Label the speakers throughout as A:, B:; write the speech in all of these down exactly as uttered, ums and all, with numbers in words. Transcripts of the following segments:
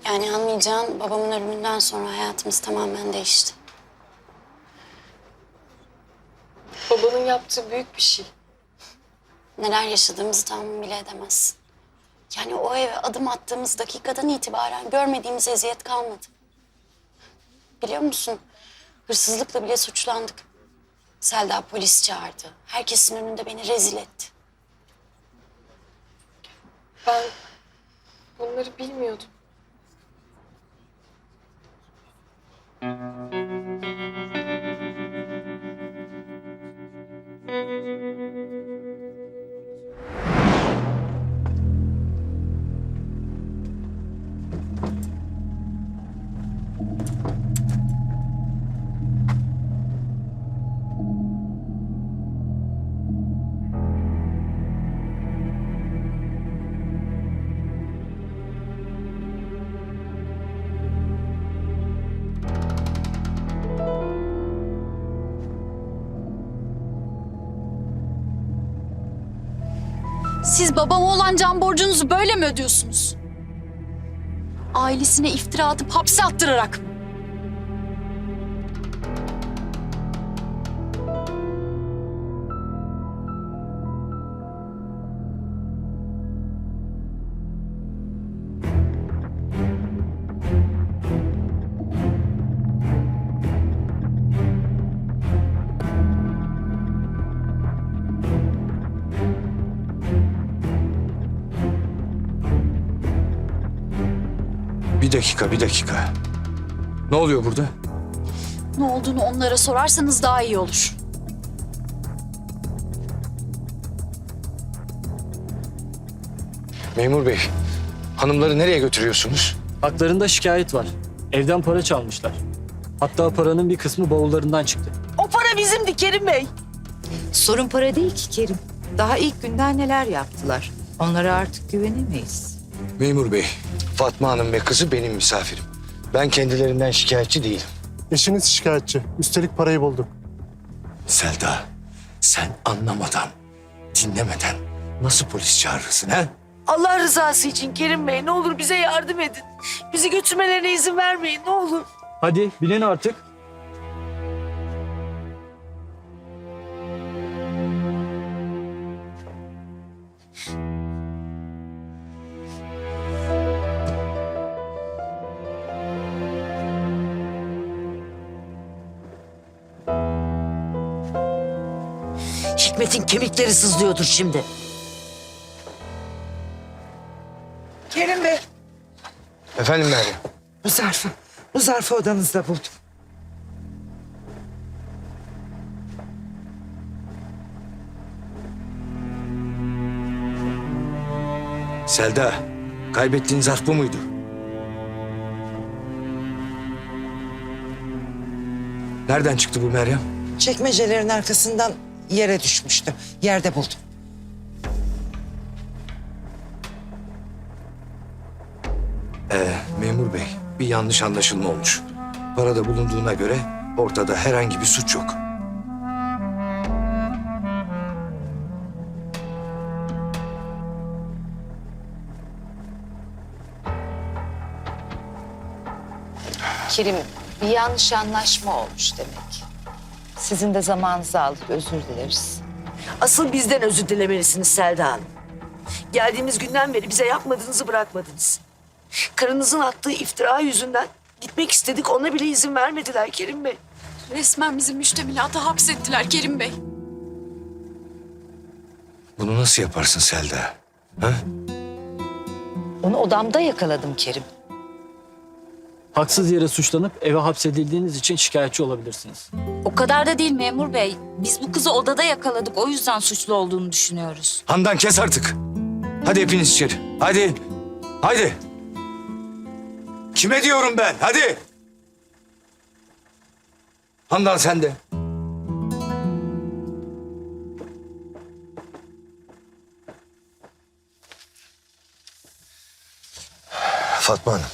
A: Yani anlayacağın babamın ölümünden sonra hayatımız tamamen değişti.
B: Babanın yaptığı büyük bir şey.
A: Neler yaşadığımızı tahmin bile edemezsin. Yani o eve adım attığımız dakikadan itibaren görmediğimiz eziyet kalmadı. Biliyor musun? Hırsızlıkla bile suçlandık. Selda polis çağırdı. Herkesin önünde beni rezil etti.
B: Ben bunları bilmiyordum.
C: Siz babama olan can borcunuzu böyle mi ödüyorsunuz? Ailesine iftira atıp hapse attırarak mı?
D: Bir dakika, bir dakika. Ne oluyor burada?
C: Ne olduğunu onlara sorarsanız daha iyi olur.
D: Memur bey, hanımları nereye götürüyorsunuz?
E: Haklarında şikayet var. Evden para çalmışlar. Hatta paranın bir kısmı bavullarından çıktı.
F: O para bizimdi Kerim Bey.
G: Sorun para değil ki Kerim. Daha ilk günden neler yaptılar. Onlara artık güvenemeyiz.
D: Memur bey, Fatma Hanım ve kızı benim misafirim. Ben kendilerinden şikayetçi değilim.
H: Eşiniz şikayetçi. Üstelik parayı bulduk.
D: Selda, sen anlamadan, dinlemeden nasıl polis çağırırsın ha?
F: Allah rızası için Kerim Bey ne olur bize yardım edin. Bizi götürmelerine izin vermeyin ne olur.
E: Hadi binin artık.
F: Hikmet'in kemikleri sızlıyordur şimdi.
I: Kerim Bey,
D: Efendim Meryem?
I: bu zarfı, bu zarfı odanızda buldum.
D: Selda, kaybettiğin zarf bu muydu? Nereden çıktı bu Meryem?
I: Çekmecelerin arkasından yere düşmüştü. Yerde buldum.
D: Ee, memur bey, bir yanlış anlaşılma olmuş. Parada bulunduğuna göre ortada herhangi bir suç yok.
G: Kerim, bir yanlış anlaşma olmuş demek. Sizin de zamanınızı aldık, özür dileriz.
F: Asıl bizden özür dilemelisiniz Selda Hanım. Geldiğimiz günden beri bize yapmadığınızı bırakmadınız. Karınızın attığı iftira yüzünden gitmek istedik ona bile izin vermediler Kerim Bey.
C: Resmen bizi müştemilata hapsettiler Kerim Bey.
D: Bunu nasıl yaparsın Selda? Ha?
G: Onu odamda yakaladım Kerim.
E: Haksız yere suçlanıp eve hapsedildiğiniz için şikayetçi olabilirsiniz.
J: O kadar da değil memur bey. Biz bu kızı odada yakaladık. O yüzden suçlu olduğunu düşünüyoruz.
D: Handan kes artık. Hadi hepiniz içeri. Hadi. Hadi. Kime diyorum ben? Hadi. Handan sen de. Fatma Hanım.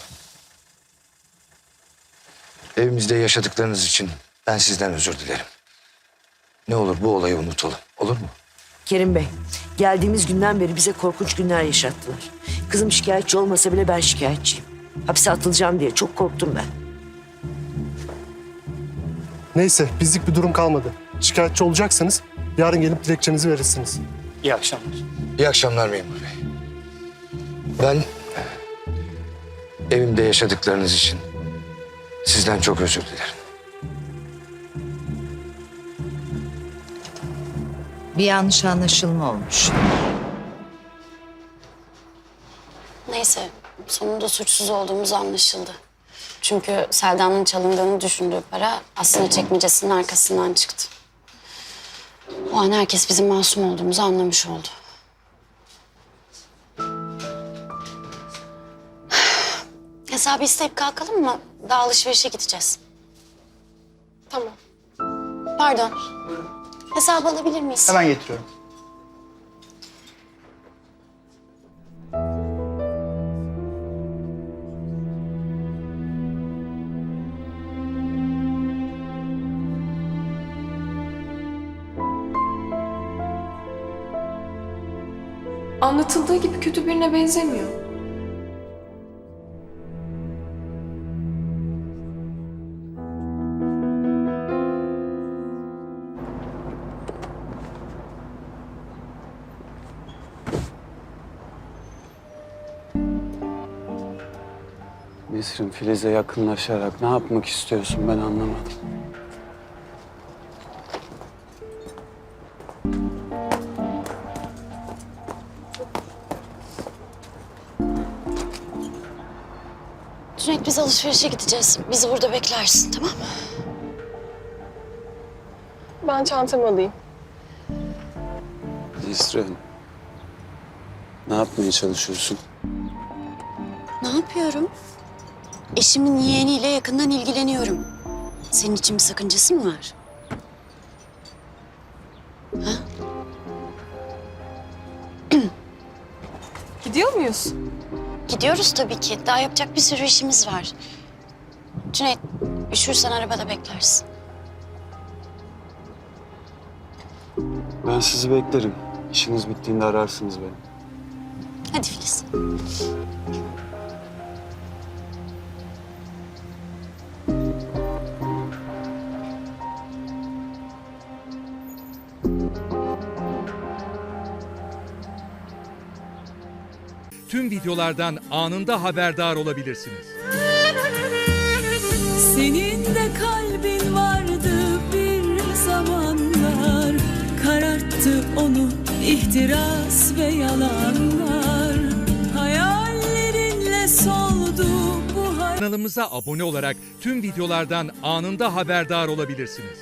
D: Evimizde yaşadıklarınız için ben sizden özür dilerim. Ne olur bu olayı unutalım. Olur mu?
F: Kerim Bey, geldiğimiz günden beri bize korkunç günler yaşattılar. Kızım şikayetçi olmasa bile ben şikayetçiyim. Hapse atılacağım diye çok korktum ben.
H: Neyse bizlik bir durum kalmadı. Şikayetçi olacaksanız yarın gelip dilekçenizi verirsiniz.
E: İyi akşamlar.
D: İyi akşamlar memur bey. Ben evimde yaşadıklarınız için sizden çok özür dilerim.
G: Bir yanlış anlaşılma olmuş.
A: Neyse sonunda suçsuz olduğumuz anlaşıldı. Çünkü Selda'nın çalındığını düşündüğü para aslında çekmecesinin arkasından çıktı. O an herkes bizim masum olduğumuzu anlamış oldu. Hesabı isteyip kalkalım mı? Daha alışverişe gideceğiz.
B: Tamam.
A: Pardon. Hesabı alabilir miyiz?
K: Hemen getiriyorum.
B: Anlatıldığı gibi kötü birine benzemiyor.
L: Nesrin, Filiz'e yakınlaşarak ne yapmak istiyorsun ben anlamadım.
A: Cüneyt biz alışverişe gideceğiz. Bizi burada beklersin tamam mı?
B: Ben çantamı alayım.
L: Nesrin, ne yapmaya çalışıyorsun?
A: Ne yapıyorum? Eşimin yeğeniyle yakından ilgileniyorum. Senin için bir sakıncası mı var? Ha?
B: Gidiyor muyuz?
A: Gidiyoruz tabii ki. Daha yapacak bir sürü işimiz var. Cüneyt, üşürsen arabada beklersin.
L: Ben sizi beklerim. İşiniz bittiğinde ararsınız beni.
A: Hadi Filiz.
M: Tüm videolardan anında haberdar olabilirsiniz.
N: Senin de kalbin vardı bir zamanlar, kararttı onu ihtiras ve yalanlar. Hayallerinle soldu bu hayat.
M: Kanalımıza abone olarak tüm videolardan anında haberdar olabilirsiniz.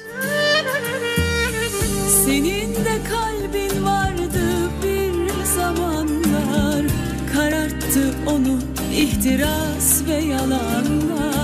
N: Senin de kalbin vardı bir zamanlar, kararttı onu ihtiras ve yalanlar.